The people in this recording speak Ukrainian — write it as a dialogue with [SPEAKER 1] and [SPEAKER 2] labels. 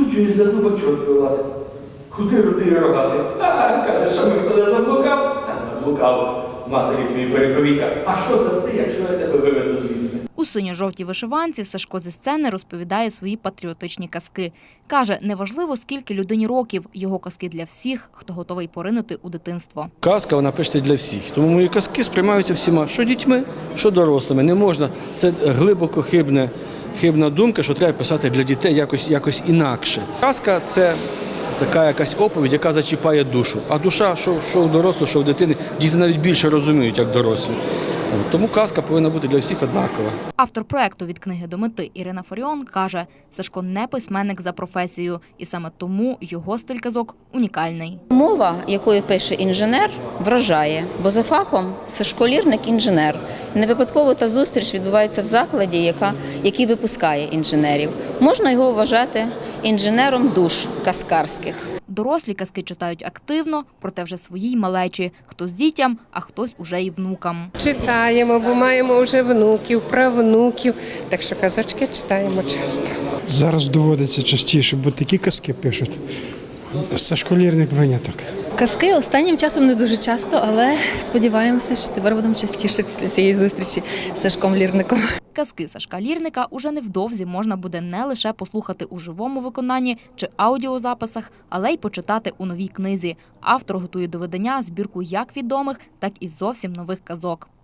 [SPEAKER 1] чую, за дубачок вилазить. Куди рудий рогатий? Каже, що ми хто заблукав? Заблукав. Матері твої перековіка. А що даси, якщо я тебе виведу звідси?
[SPEAKER 2] У синьо-жовтій вишиванці Сашко зі сцени розповідає свої патріотичні казки. Каже, неважливо, скільки людині років, його казки для всіх, хто готовий поринути у дитинство.
[SPEAKER 3] Казка, вона пишеться для всіх. Тому мої казки сприймаються всіма, що дітьми, що дорослими. Не можна, це глибоко хибна думка, що треба писати для дітей якось інакше. Казка – це така якась оповідь, яка зачіпає душу. А душа, що в дорослого, що в дитини, діти навіть більше розуміють, як дорослі. Тому казка повинна бути для всіх однакова.
[SPEAKER 2] Автор проєкту «Від книги до мети» Ірина Фаріон каже, Сашко не письменник за професією, і саме тому його стиль казок унікальний.
[SPEAKER 4] Мова, якою пише інженер, вражає, бо за фахом Сашко Лірник-інженер. Не випадково та зустріч відбувається в закладі, який випускає інженерів. Можна його вважати інженером душ казкарських.
[SPEAKER 2] Дорослі казки читають активно, проте вже своїй малечі. Хтось дітям, а хтось уже і внукам.
[SPEAKER 5] Читаємо, бо маємо вже внуків, правнуків, так що казочки читаємо часто.
[SPEAKER 6] Зараз доводиться частіше, бо такі казки пишуть. Сашко Лірник – виняток.
[SPEAKER 7] Казки останнім часом не дуже часто, але сподіваємося, що тепер будемо частіше після цієї зустрічі з Сашком Лірником.
[SPEAKER 2] Казки Сашка Лірника уже невдовзі можна буде не лише послухати у живому виконанні чи аудіозаписах, але й почитати у новій книзі. Автор готує до видання збірку як відомих, так і зовсім нових казок.